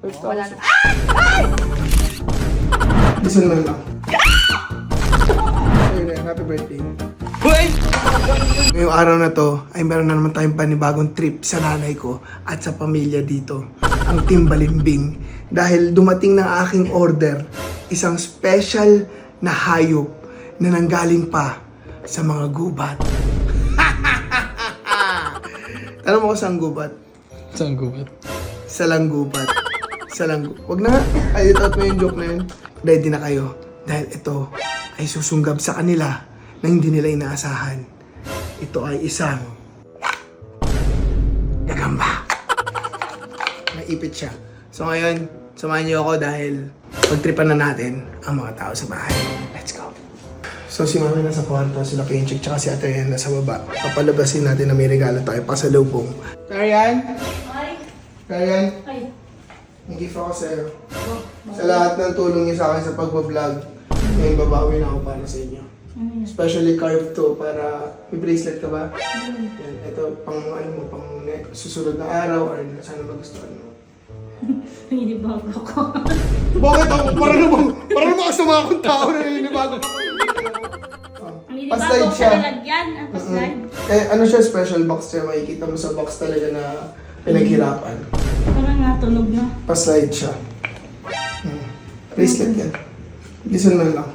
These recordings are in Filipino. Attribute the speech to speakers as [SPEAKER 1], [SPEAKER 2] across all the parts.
[SPEAKER 1] Wala na.
[SPEAKER 2] Listen mo lang. Ayun, happy birthday. Ngayong araw na to ay meron na naman tayong panibagong trip sa nanay ko at sa pamilya dito, ang Team Balimbing. Dahil dumating na aking order, isang special na hayop na nanggaling pa sa mga gubat. Alam mo ko saan gubat?
[SPEAKER 3] Saan gubat?
[SPEAKER 2] Sa langgubat. Sa langgubat. Wag na nga. Ay, ito mo yung joke na yun. Ready na kayo. Dahil ito ay susunggab sa kanila na hindi nila inaasahan. Ito ay isang gagamba. Naipit siya. So ngayon, samahan niyo ako dahil pagtripan na natin ang mga tao sa bahay. Let's go. So si Mami nasa kwarto, sila Kenchik, tsaka si Ate Ryan nasa baba. Papalabasin natin na may regalo tayo pasalubong. Ryan?
[SPEAKER 1] Ay.
[SPEAKER 2] Ryan?
[SPEAKER 1] Ay.
[SPEAKER 2] May gift ako sa'yo. Sa lahat ng tulong niyo sa akin sa pagbablog, may babawi na ako para sa inyo. Especially carved to para may bracelet ka ba? Yan, ito pang ano mo, pang susunod na araw or sana magustuhan mo.
[SPEAKER 1] Pinibago ko.
[SPEAKER 2] Bakit ako? Para naman kasi mga akong tao na nilinibago ako.
[SPEAKER 1] Pinibago ko sa lalagyan. Ang paslide.
[SPEAKER 2] Kaya ano siya, special box siya. Makikita mo sa box talaga na pinaghirapan.
[SPEAKER 1] Parang natunog na.
[SPEAKER 2] Pa-slide siya. Bracelet yan. Listen mo lang.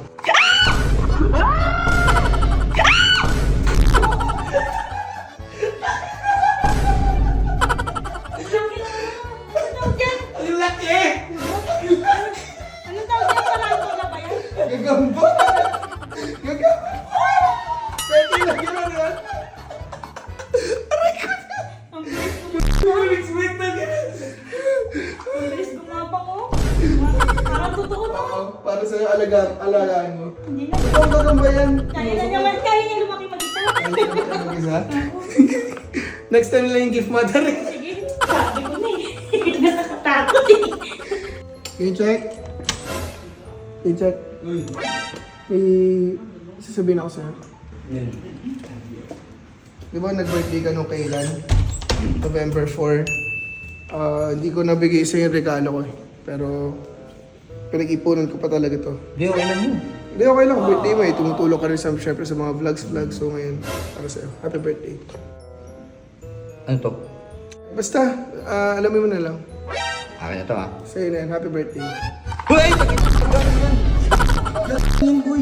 [SPEAKER 2] Ang laki!
[SPEAKER 1] Anong tawag yan? Sarado na ba yan?
[SPEAKER 2] Gagamba! Gagamba! Pwede lang yun yan!
[SPEAKER 1] Ang bilis gumapang ko. Parang totoo na.
[SPEAKER 2] Oo, para sa'yo alagaan mo.
[SPEAKER 1] Hindi na.
[SPEAKER 2] Ito ang gagamba yan.
[SPEAKER 1] Kaya niya lumaki mag-isa.
[SPEAKER 2] Mag-isa? Next time lang yung gift mother.
[SPEAKER 1] Sige, sabi ko na eh. Nakakatakot eh.
[SPEAKER 2] Can you check? Can you check? May sasabihin ako sa'yo. Di ba nag-birthday ka nung kailan? November 4. Hindi ko nabigay sa'yo yung regalo ko eh. Pero pinag-ipunan ko pa talaga to.
[SPEAKER 3] Hindi, okay lang yun.
[SPEAKER 2] Hindi, okay lang. Birthday mo eh. Tumutulong ka rin syempre sa mga vlogs. So ngayon, para sa'yo. Happy birthday.
[SPEAKER 3] Ano to?
[SPEAKER 2] Basta, alamin mo na lang.
[SPEAKER 3] Akin na to ah.
[SPEAKER 2] Sa'yo na yan. Happy birthday.
[SPEAKER 3] Hoy!
[SPEAKER 2] Yung boy.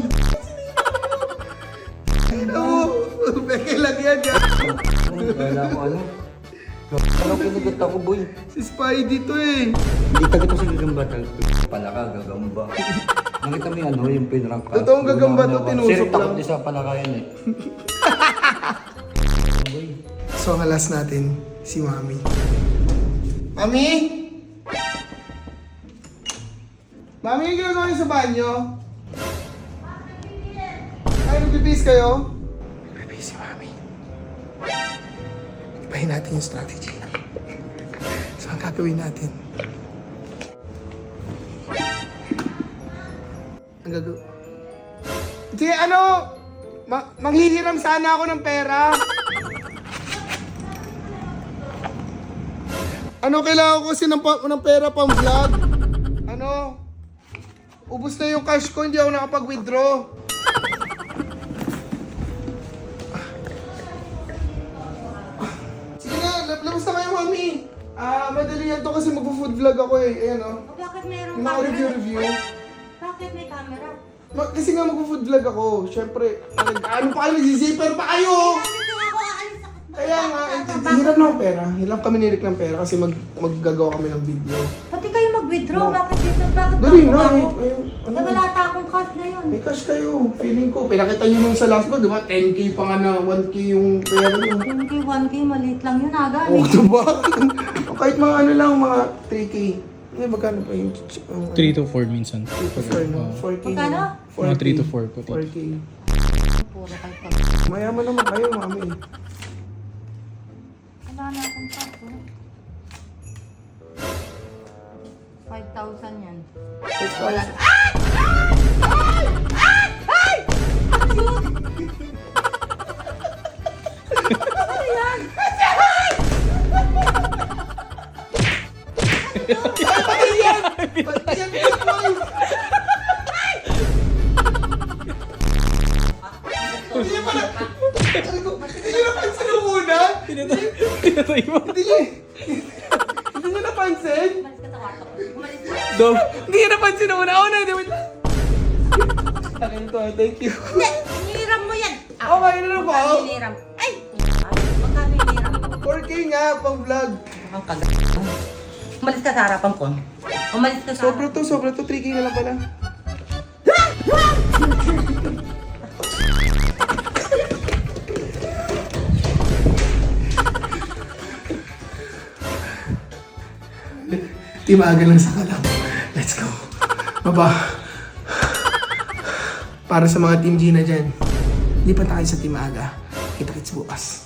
[SPEAKER 2] Oo, beke lang yan.
[SPEAKER 3] Kala ko ano? Ano kinagat ako boy?
[SPEAKER 2] Si Spidey to eh.
[SPEAKER 3] Hindi tagat ako sa gagamba. Palaka, gagamba. Nakita mo yung ano, yung pinrank ka.
[SPEAKER 2] Totoong gagamba to, tinusok
[SPEAKER 3] Sir, takot
[SPEAKER 2] lang.
[SPEAKER 3] din sa palaka yan eh. Boy.
[SPEAKER 2] So, ang last natin, si Mami. Mami? Mami, yung ginagawa niyo sa banyo? Ay, nagbibis kayo? Nagbibis si Mami. Ibahin natin yung strategy. So, ang gagawin natin? Ang gagawin... Sige, ano? Manghihiram sana ako ng pera. Ano, kailangan ko kasi ng pera pang vlog? Ano? Ubus na yung cash ko, hindi ako nakapag-withdraw. Sige na, labas na kayo, Mami. Madali yan to kasi magpo-food vlog ako eh. Ayan o.
[SPEAKER 1] Bakit mayroong
[SPEAKER 2] Yung mga review.
[SPEAKER 1] Bakit may camera?
[SPEAKER 2] Kasi nga magpo-food vlog ako. Siyempre, ano pa kayo, nag-zipper pa kayo!
[SPEAKER 1] Dito ako aalis ako.
[SPEAKER 2] Kaya nga, hirap ng pera. Hirap kami nilik ng pera kasi maggagawa kami ng video.
[SPEAKER 1] Pati kayo mag-withdraw. Bakit dito? Bakit
[SPEAKER 2] Dali
[SPEAKER 1] ako
[SPEAKER 2] na,
[SPEAKER 1] ako?
[SPEAKER 2] ano?
[SPEAKER 1] Wala ta akong cash na yun.
[SPEAKER 2] May cash kayo. Feeling ko, pinakita nyo nung sa last ko, di ba? 10k pa nga na 1k yung pera nyo.
[SPEAKER 1] 1K, maliit lang yun aga.
[SPEAKER 2] Oh, diba? Kahit mga ano lang, mga 3k. Ay, magkano pa yung...
[SPEAKER 3] 3 to 4 minsan.
[SPEAKER 2] 3 to 4, no? 4k.
[SPEAKER 1] Magkano?
[SPEAKER 2] 4k.
[SPEAKER 3] Mga 3 to 4 po.
[SPEAKER 2] 4k.
[SPEAKER 1] Puro kayo pa.
[SPEAKER 2] Mayaman naman kayo, Mami.
[SPEAKER 1] Wala na akong cash. 5,000 yan.
[SPEAKER 2] Wala. Ay, Hindi niyo pala... Hindi niyo napansin yung una?
[SPEAKER 4] Pinatay mo.
[SPEAKER 2] Hindi niyo napansin?
[SPEAKER 1] Umalis ka sa kwarto ko. Umalis ka.
[SPEAKER 4] Dom.
[SPEAKER 2] Hindi niyo napansin yung una. Oh, no, wait. Akin to, thank you.
[SPEAKER 1] Hindi, hiniram mo yan.
[SPEAKER 2] Okay, ano na ba?
[SPEAKER 1] Magkano hiniram? Ay! Magkano hiniram mo?
[SPEAKER 2] 4K nga, pang vlog.
[SPEAKER 1] Ang kagat. Umalis ka sa harapan ko. Umalis ka sa
[SPEAKER 2] Sobra to, 3K na lang pala. Timaga lang sa kalam. Let's go. Baba. Para sa mga Team Gina dyan, lipat tayo sa Timaga. Kita-kits bukas.